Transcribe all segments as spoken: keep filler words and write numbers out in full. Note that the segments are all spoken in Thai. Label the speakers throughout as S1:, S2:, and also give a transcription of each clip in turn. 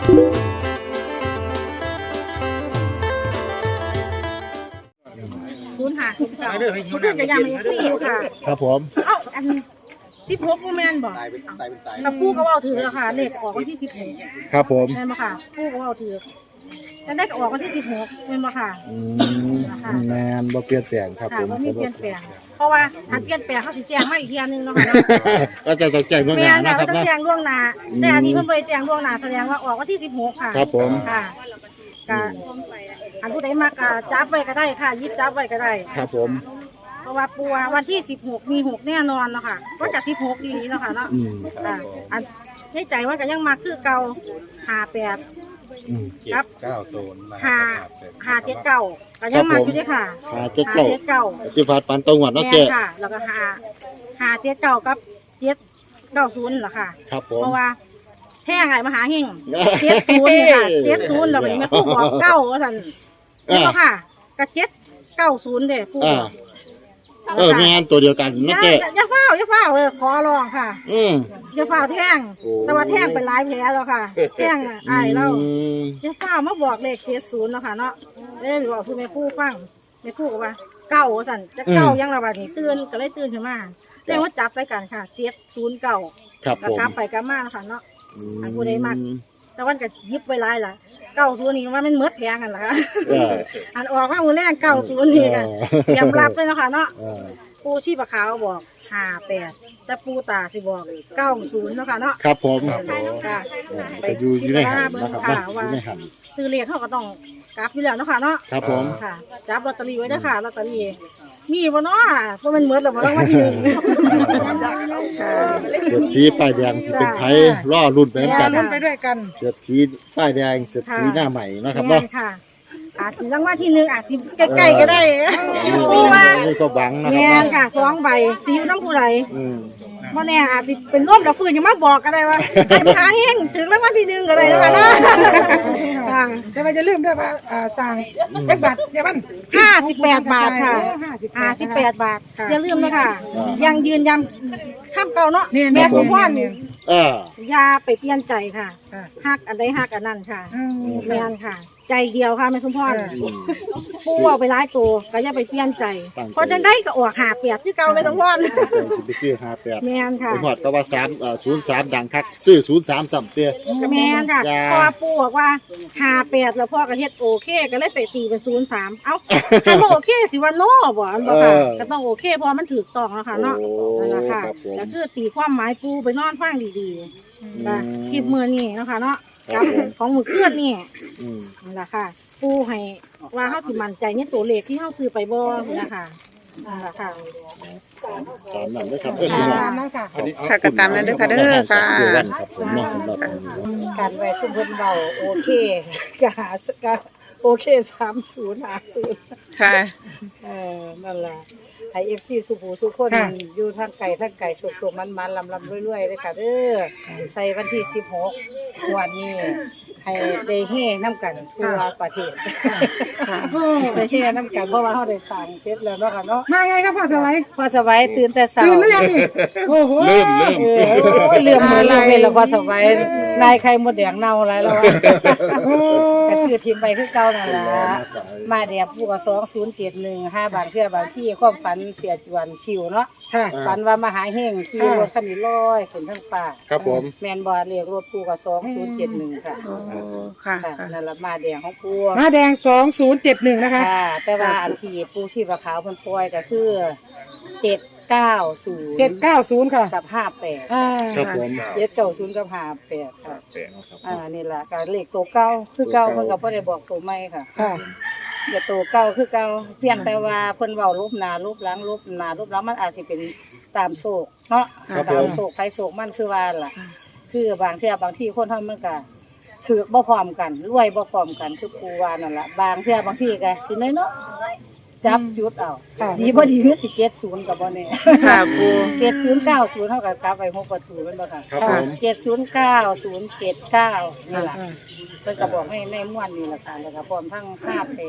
S1: คุณหาคุณเก่าคุณจะยังไม่ตีอยู่ค่ะ
S2: ครับผม
S1: เอ้าอันสิบหกโมเมนต์บอกกับผู้ก็ว่าถือแล้วค่ะเลขออกวันที่สิบหก
S2: ครับผม
S1: แม่นบ่ค่ะผู้ก็ว่าถือแล้วได้ก็ออกวันที่สิบหกแม่นบ่ค่ะ
S2: อืมแมนบ่เปลี่ยนแปลงครับผม
S1: บ่มีเปลี่ยนแปลงเพราะว่าถ้าเปลี่ยนแปลงเขาสิแจ้งมาอีกเทียนึงเนาะค่ะ
S2: ก็จะต้องแจ้งล่วงหน้านะครับ
S1: ต้องแจ้งล่วงหน้าแต่อันนี้เพิ่นบ่ได้แจ้งล่วงหน้าแสดงว่าออกวันที่สิบหกค่ะ
S2: ครับผม
S1: ค่ะก็อันผู้ใดมักก็จับไว้ก็ได้ค่ะยิบจับไว้ก็ได้
S2: ครับผม
S1: เพราะว่าปูวันที่สิบหกมีหกแน่นอนเนาะค่ะก็จะสิบหกดีเนาะค่ะเนาะอ่าอันในใจว่าก็ยังมาคือเก่าห้าแปดครับ
S3: เก้าโซน
S1: ห้าห้าเจ็ดเก้าก็ยังมาอยู่ด้วยค่ะ
S2: ห้าเจ็ดเก้า
S1: เก้า
S2: สิฟาดฟันตรงหวัดเนาะเจ๊
S1: ค่ะแล้วก็ห้าห้าเจ็ดเก้ากับเจ็ดเก้าศูนย์เหรอค่ะ
S2: ครับผม
S1: เพราะว่าแท่งไงมหาเฮงเจ็ดศูนย์เนี่ยค่ะเจ็ดศูนย์เราเป็นแม่ผู้บอกเก้าว่าท่านนี่ก็ค่ะกับเจ็ดเก้าศูนย์เด้ผู้
S2: เออแม่นตัวเดียวกันนะเจ๊
S1: อย่าเฝ้าอย่าเฝ้าเออขอร้องค่ะ
S2: อืม
S1: อย่าเฝ้าแท่งแต่ว่าแท่งเป็นหลายแผลแล้วค่ะแท่งไอ้เราอย่าเฝ้ามาบอกเลขเจ็ดศูนย์เนาะค่ะเนาะเอ้ยบอกคือแม่ผู้ฟังแม่ผู้ก็ว่าเก้าสั่นจะเก้ายังระบาดนี่ตื่นก็เลยตื่นขึ้นมาเรียกว่าจับไปกันค่ะเจ็ดศูนย์เก้า
S2: ครับผม
S1: กลับไปกลับมาค่ะเนาะอันผู้ใดมากแต่วันก็ยิบไว้หลายล่ะเก้าศูนย์นี่ว่ามันเมดแพงกันล่ะค่ะอันออกมามือแรกเก้าศูนย์นี่ค่ะเตรียมรับเลยเนาะค่ะเนาะปูชีพขาวบอกห้าแปดแต่ปูตาสิบอกเก้าศูนย์เนาะค่ะเนาะ
S2: ครับผม
S1: ค่ะ
S2: ไปดูอยู่ในหันนะครับ
S1: ว่าซื้อเลขเขาก็ต้องกลับอยู่แล้วเนาะค่ะเนาะ
S2: ครับผม
S1: ค่ะจับลอตเตอรี่ไว้ด้วยค่ะลอตเตอรี่มีบ่เนาะเพราะมันเมดแล้วบ่ต้องมาที่นึง
S2: เศรษฐีป้ายแดงที่เป็นไทยล่อรุ่นไปด้วยกัน
S1: ไปด้วยกัน
S2: เศรษฐีป้ายแดงเศรษฐีหน้าใหม่นะครับเนาะ
S1: อาจจะรางวัลที่หนึ่งอาจจะใกล้ๆก็ได้ปูว่า
S2: ก็บังนะครั
S1: บแม่ค่ะสองใบซีอิ๊วน้ำผู้ไหลบ่แน่อาจจะเป็นร่วมดอกฟืนยังมาบอกก็ได้ว่าไอ้มหาเฮงถึงรางวัลที่หนึ่งก็ได้นะคะนะ
S4: แต่ว่าจะลืมด้วยว่าสั่งเล็กบาทเดี๋ยวมัน
S1: ห้าสิบแปดบาทค่ะห้าสิบแปดบาทอย่าลืมนะคะยังยืนยันข้ามเก่าเนาะแม่คุณพ่อนี่ยาไปเปลี่ยนใจค่ะฮักอันใดฮักอันนั้นค่ะแม่นค่ะใจเดียวค่ะแม่สมพรปูเอาไปร้ายตัวก็อย่าไปเปลี่ยนใจเพราะจะได้ก็ออกหาเปียกที่เก่าแม่สมพร
S2: ไปซื้อหาเปียก
S1: แม่นค่ะ
S2: หอดก็ว่าสามศูนย์สามดังคักซื้อศูนย์สามสัมเตี้ย
S1: แม่นค่ะพอปูบอกว่าหาเปียกแล้วพ่อก็เฮ็ดโอเคก็เลยไปตีเป็นศูนย์สามเอ้าถ้าโอเคสิว่าโน่บ่อันบ่ค่ะก็ต้องโอเคเพราะมันถูกต้องแล้วค่ะเนาะนั่นแหละค่ะก็คือตีความหมายปูไปนอนฟังดีๆค่ะคลิปมือนี่เนาะค่ะเนาะกับของมือเคลื่อนนี่นั่นแหละค่ะปูให้ว่าเขาสิมั่นใจในตัวเลขที่เขาซื้อไปบ่นะคะนั่นแหละค่ะ
S2: ตามนั้นด้วยครับ
S4: เออค่ะ
S5: ค่ะก็ตามนั้นด้วยค่ะเด้อค่ะ
S1: การไว้ซุ่มเพิ่นเบาโอเคก็หาก็โอเคสามศูนย์หาศูนย์
S5: ค่ะ
S1: เออนั่นแหละไอเอฟซีสุภูสุคนอยู่ทางไก่ทางไก่สุกๆมันๆลำๆรวยๆเลยค่ะเด้อใส่วันที่สิบหกวันนี้ให้ได้เฮ่น้ำกันทั่วประเทศได้เฮ่น้ำกันเพราะว่าเขาได้สั่งเสร็จแล้วเนาะค่ะเนาะ
S4: มาไงครับพ่อสวัย
S1: พ่อสวัยตื่นแต่เช้า
S4: ตื่นหรือยังนี่โอ้โห
S2: เริ่มเริ่ม
S1: เริ่มเริ่มเลยแล้วพ่อสวัยนายไข่มดแดงเน่าอะไรแล้วก็คือทีมไปคือเก่านั่นล่ะมาแดงผู้ก็สองศูนย์เจ็ดหนึ่งห้าบาทเพื่อบางที่ความฝันเสียจวนชิวเนาะฝันว่ามหาเฮงขี่รถคันนี้ลอยขึ้นทั้งป่า
S2: ครับผม
S1: แมนบอลเรียกรถผู้ก็สองศูนย์เจ็ดหนึ่งค่ะ
S5: ค่ะ
S1: นั่นละมาแดงของปู
S4: มาแดงสองศูนย์เจ็ดหนึ่งนะคะ
S1: แต่ว่าอันที่ปูชีพขาวเพิ่นปล่อยก็คือเจ็ดเก้าศูนย์
S4: เจ็ดเก้าศูนย์ค่ะ
S1: กับห้าแปด
S2: ครับผม
S1: เจ็ดเก้าศูนย์กับห้าแปดค่ะอ่านี่แหละการเลขตัวเก้าคือเก้าเพิ่นก็บ่ได้บอกตัวใหม่ค่ะอย่าตัวเก้าคือเก้าเพียงแต่ว่าเพิ่นเว้ารูปหน้ารูปหลังรูปหน้ารูปหลังมันอาจสิเป็นตามโศกเนาะตามโศกไผโศกมันคือว่าล่ะคือบางเที่ยบางที่คนทำมันก็ถือบ่พร้อมกันรวยบ่พร้อมกันคือปูว่านั่นล่ะบางเที่ยบางที่ก็สิน้อยเนาะจับยุดเอาดีบ่ดีคือสิเจ็ดศูนย์ก็บ่แน่
S5: ค่ะปู
S1: เจ็ดศูนย์เก้าศูนย์เท่ากับกลับไปหกประตูแม่นบ่ค่ะ
S2: ครับผม
S1: เจ็ดศูนย์เก้าศูนย์เจ็ดเก้านี่ล่ะเพิ่นก็บอกให้ในม่วนนี่ล่ะค่ะแล้วก็พร้อมทั้งห้าแปด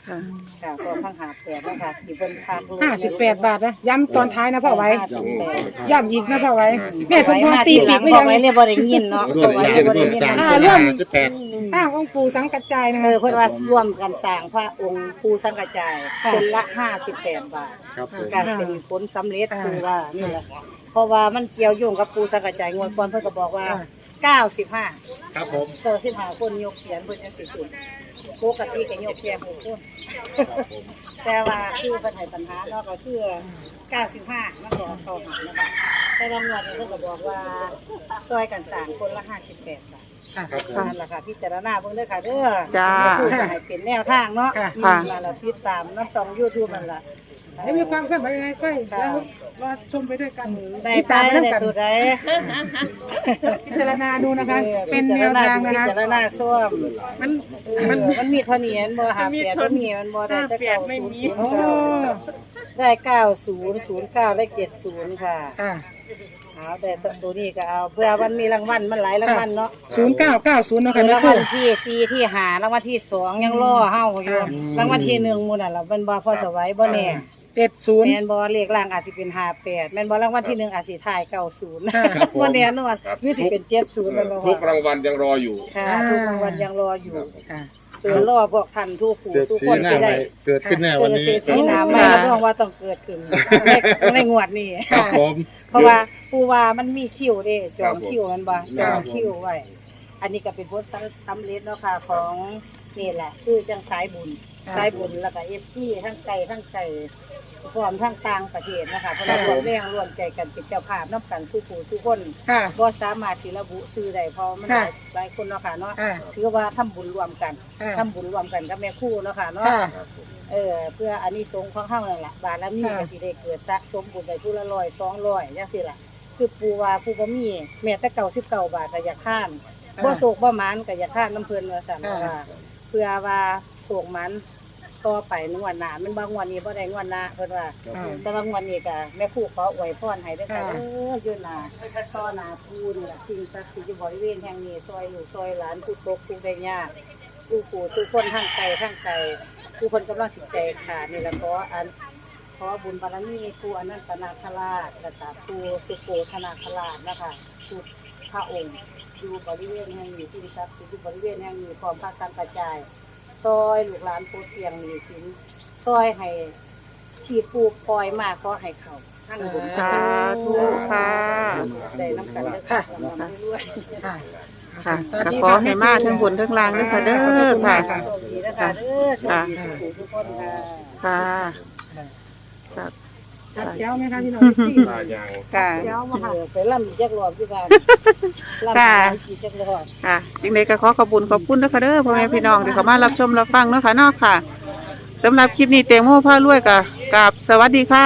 S5: ค่ะ
S1: ค่ะก็ทั้งหาแปดแล้วค่ะที่เพิ่นพาลูก
S4: ห้าสิบแปดบาทนะย้ำตอนท้ายนะพ่อไว้
S1: ห้าสิบแปด
S4: ย้ำอีกนะพ่อไว้แม่สมพรตี
S1: ห
S4: ปี
S1: ลั
S4: ก
S1: ง
S4: ไม่
S1: พอ
S4: ยัง
S1: ไว้เรียกบ่ได้ยินเนาะ
S2: ร่วมสร้าง
S1: บ่
S2: ร่ว
S1: ได้
S2: ม
S1: ยิน
S2: สร้าง
S1: นะ
S2: ส่วนห้าสิบแปด
S4: อ้าวองค์ปู่สังกัจจายนะ
S1: เอ
S4: คะ
S1: อเพิ่นว่าร่วมกันสร้างพระองค์ปู่สังกัจจายคนละห้าสิบแปดบาท
S2: ครับผม
S1: การเป็นผลสำเร็จคือว่านี่แหละเพราะว่ามันเกี่ยวโยงกับปู่สังกัจจายงวดก่อนเพิ่นก็บอกว่าเก้าสิบห้า
S2: ครับผม
S1: เก้าสิบห้าคนยกเขียนเพิ่นจังสิจุดปกติก็ยกแค่หกคนแต่ว่าคือเพิ่นให้ปัญหาเนาะก็คือเก้าสิบห้ามันก็เข้าหานะคะแต่บางวันเพิ่นก็บอกว่าซอยกันสร้างคนละห้าสิบแปดบาท
S2: ครับผม
S1: นั่นแหละค่ะพิจารณาเบิ่งเด้อค่ะเด้อ
S5: จ้า
S1: คือจะให้เป็นแนวทางเนาะ
S4: ค่ะ
S1: อืมนั่นแหละติดตามน้ำช่อง YouTube นั่นล่ะ
S4: แล้วมีความเคลื่อนไหวยังไงก็แล้วรอชมไปด้วยกัน
S1: ได้
S4: ติด
S1: ไป
S4: ตามไปด้วย
S1: ได้
S4: กัน
S1: ตัวใด
S4: พิจารณาดูนะคะ เป็นแนวทางนะคะ
S1: พิจารณาส้วม
S4: มัน
S1: มันมันมีเท่านี้อันบ่หาแปดบ่มีมันบ่ได้แต่เก้าศูนย์ศูนย์
S4: โอ้
S1: เก้าได้เก้าศูนย์ศูนย์เก้าได้เจ็ดศูนย์ค่ะ
S4: ค่ะ
S1: เอาแต่ตัวนี้ก็เอาเพื่อมันมีรางวัลมันหลายรางวัลเนาะ
S4: ศูนย์เก้าเก้าศูนย์นะคะ
S1: คือ
S4: แม่
S1: ราง
S4: ค
S1: วั
S4: รู
S1: ลที่สี่ที่หารางวัลที่สองยังรอเฮาอยู่รางวัลที่หนึ่งหมู่นั่นล่ะมันบ่พอสวัยบ่แน่
S4: เจ็ดศูนย์
S1: แม่นบ่เลขล่างอาจสิเป็นห้าแปดแม่นบ่รางวัลที่หนึ่งอาจสิท้ายเก้าศูนย์
S2: ครับผม
S1: บ่แน่นอนหรือสิเป็นเจ็ดศูนย์แม่นบ่
S3: ทุก
S1: ว่า
S3: รางวัลยังรออยู่
S1: ค่ะทุกรางวัลยังรออยู่
S4: ค่ะ
S1: เตือนรอพวกท่านทุกผู้
S2: เศรษ
S1: ทุก
S2: ฐี
S1: คน
S2: หน้า
S1: สิ
S2: ให
S1: ได้
S2: ม่เกิดขึ้นแน่วันนี้
S1: เศรษฐีหน้าใหม่รับรองว่าต้องเกิดขึ้นในในงวดนี้
S2: ครับผม
S1: เพราะว่าผู้ว่ามันมีคิวเด้จอง
S3: ครับผม
S1: คิวมันบ่จ
S3: ครั
S1: อง
S3: บผม
S1: คิวไว้ อันนี้ก็เป็นผลสำเร็จเนาะค่ะของนี่แหละ คือจังสายบุญ
S4: ครับ
S1: สายบุญแล้วก็ เอฟ ซี ทั้งไกลทั้งไกลพร้อมทั้งต่างประเทศนะคะเพราะเรารวมแรงรวมใจกันเป็นเจ้าภาพนำกันสู้ผู้สู้คน
S4: ค่ะ
S1: บ่สามารถสิระบุชื่อได้เพราะมันห
S4: ค่ะ
S1: ลายหลายคนเนาะค่ะเนาะ
S4: ค่ะ
S1: ถือว่าทำบุญรวมกัน
S4: ค่ะ
S1: ทำบุญรวมกันกับแม่ครูเนาะค่ะเนาะ
S4: ค่ะ
S1: เออเพื่ออานิสงส์ของเฮานั่นล่ะบารมี
S4: ค่ะ
S1: ก็สิได้เกิดสะสมบุญได้ผู้ละร้อยสองร้อยจังซี่ล่ะคือปู่ว่าผู้บ่มีแม้แต่เก้าสิบเก้าบาทก็อยากข้ามบ่โศกบ่หมานก็อยากข้ามน้ำเพิ่นว่าซั่นว่าเพื่อว่าโศกหมันต่อไปในงวดหน้ามันบ่งวดนี้บ่ได้งวดหน้าเพิ่นว่า
S4: ค่ะ
S1: แต่ว่างวดนี้ก็แม่ครูขออวยพรให้เด้อค่ะ
S4: ค่ะ
S1: เอออยู่หน้าต่อหน้าปู่นี่ล่ะสิ่งศักดิ์สิทธิ์อยู่บริเวณแห่งนี้ซอยลูกซอยหลานผู้ตกผู้ได้ยากผู้ปู่ทุกคนทางไกลทางไกล ผู้คนกำลังสิใจขาดนี่แหละขออันขอบุญบารมีผู้อนันตนาคราชและก็ผู้สุโขธนาคราชนะคะทุกพระองค์อยู่บริเวณแห่งนี้ที่ศักดิ์สิทธิ์อยู่บริเวณแห่งนี้พร้อมพระสังกระจายซอยลูกหลานโพธิ์เพียงมีสินซอยให้ที่ปูปล่อยมาขอให้เขาทั้งบุญ
S5: สาธุค่ะ
S1: ได้น้ำกันเด้อค่ะสำหรับเรื่อย
S4: ค่ะ
S5: ค่ะก็ขอให้มาทั้งบนทั้งล่างด้วยค่ะเด้อค่ะ
S1: ๆโชคดีนะคะเด้อโชคดีทุกผู้ทุกคนค่ะ
S5: ค่ะค่ะ
S4: ชัดแจ๋วไหมคะพี่น้องที่
S3: มาอย่าง
S5: ค่ะ
S1: เดี๋ยวมาหาไปล่ำอีกจักรอบที่บ้านล่ำ
S5: ค่ะ
S1: อีกจักรอบ
S5: ค่ะจริงๆก็ขอขอบคุณขอบคุณนะคะเด้อพ่อแม่พี่น้องที่เข้ามารับชมรับฟังเนาะค่ะเนาะค่ะสำหรับคลิปนี้เตงโม่ผ้ารวยกับกับสวัสดีค่ะ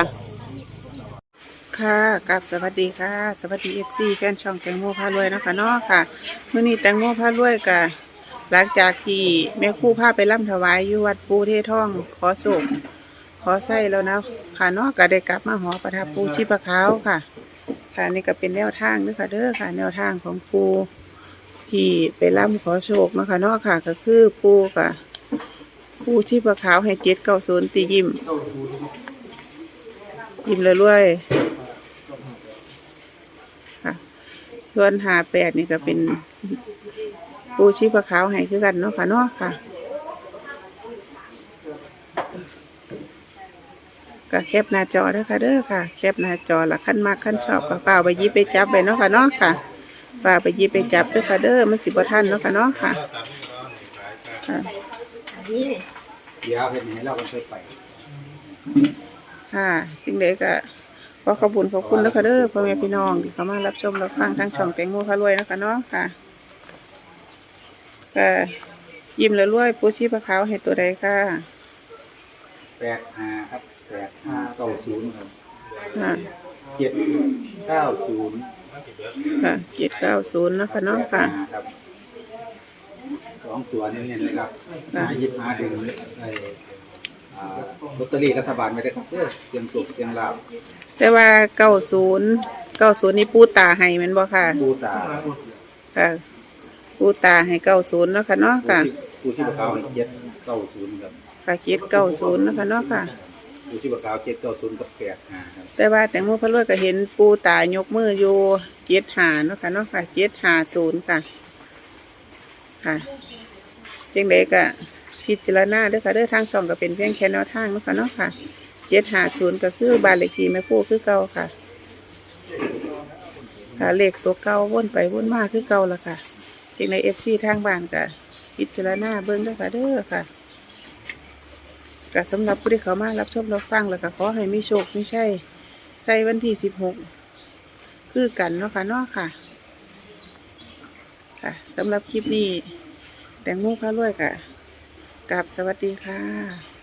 S5: ค่ะกับสวัสดีค่ะ สวัสดีเอฟซีแฟนช่องแตงโมผ้ารวยเนาะคะเนาะค่ะมื้อนี้แตงโมผ้ารวยกับหลังจากที่แม่ครู่พาไปร่ำถวายอยู่วัดปูเทท่องขอสุขขอไส้แล้วนะค่ะเนาะก็ได้กลับมาหอประทับปูชีพขาวค่ะ ค่ะนี่ก็เป็นแนวทางด้วยค่ะเด้อค่ะ แนวทางของปูที่ไปร่ำขอโชคเนาะค่ะเนาะค่ะ ก็คือปูค่ะปูชีพขาวให้เจ็ดเก้าศูนย์ตียิ้มยิ้มเลยรวยค่ะส่วนหาแปดนี่ก็เป็นปูชีพขาวให้คือกันเนาะค่ะเนาะค่ะก็แคปหน้าจอเด้อค่ะเด้อค่ะแคปหน้าจอละขั้นมากขั้นชอบก็ฝ่าไปหยิบไปจับไปเนาะค่ะเนาะค่ะฝ่าไปหยิบไปจับเด้อค่ะเด้อมันสิบ่ทันเนาะค่ะเนาะค่ะค่ะ
S6: เดี๋ยวเห็นให้เราก็เคยไป
S5: ค่ะสิ่งใดก็ขอขอบคุณขอบคุณแล้วค่ะเด้อพ่อแม่พี่น้องที่เข้ามารับชมรับฟังทางช่องแตงโมพารวยนะคะเนาะค่ะก็ยิ้มแล้วรวยปูชีพขาวให้ตัวใดค่ะ
S6: แปดห้าครับแปดห้าเก้าศูนย์ครับ
S5: ค่ะ
S6: เจ็ดเก้าศูนย์
S5: ค่ะเจ็ดเก้าศูนย์นะคะเนาะค่ะ
S6: ครับสองตัวนี่เนี่ยนะครับหาหยิบหาถึงไอ้อ่าลอตเตอรี่รัฐบาลไม่ได้ครับเด้อเสียงสุกเสียงลาว
S5: แต่ว่าเก้าศูนย์เก้าศูนย์นี่ปูตาให้แมันบ่ค่ะ
S6: ปูตา
S5: ค่ะปูตาให้เก้าศูนย์เนาะค่ะเนาะค่ะ
S6: ปูชีพเขาให้เจ็ดเก้าศูนย์ครับ
S5: ค่ะเจ็ดเก้าศูนย์นะคะเนาะค่ะ
S6: อยู่ที่ปากกาวเจ็ดเก้าศูนย์กับแปดห้าครับ
S5: แต่ว่าแตงโมพะรวยก็เห็นปูตายกมืออยู่เจ็ดหาเนาะค่ะเนาะค่ะเจ็ดหาศูนย์ค่ะค่ะจังใดก็พิจารณาเด้อค่ะเด้อทางช่องก็เป็นเพียงแค่แนวทางเนาะค่ะเนาะค่ะเจ็ดหาศูนย์ก็คือบ้านเลขที่แม่ปู่คือเก่าค่ะค่ะเลขตัวเก่าวนไปวนมาคือเก่าละค่ะจังใดเอฟซีทางบ้านก็พิจารณาเบิ่งเด้อค่ะเด้อค่ะก็สำหรับผู้ที่เขามารับชมรับฟังแล้วก็ขอให้มีโชคมีชัยใส่วันที่สิบหกคือกันเนาะค่ะเนาะค่ะค่ะสำหรับคลิปนี้แตงโมพารวยค่ะกราบสวัสดีค่ะ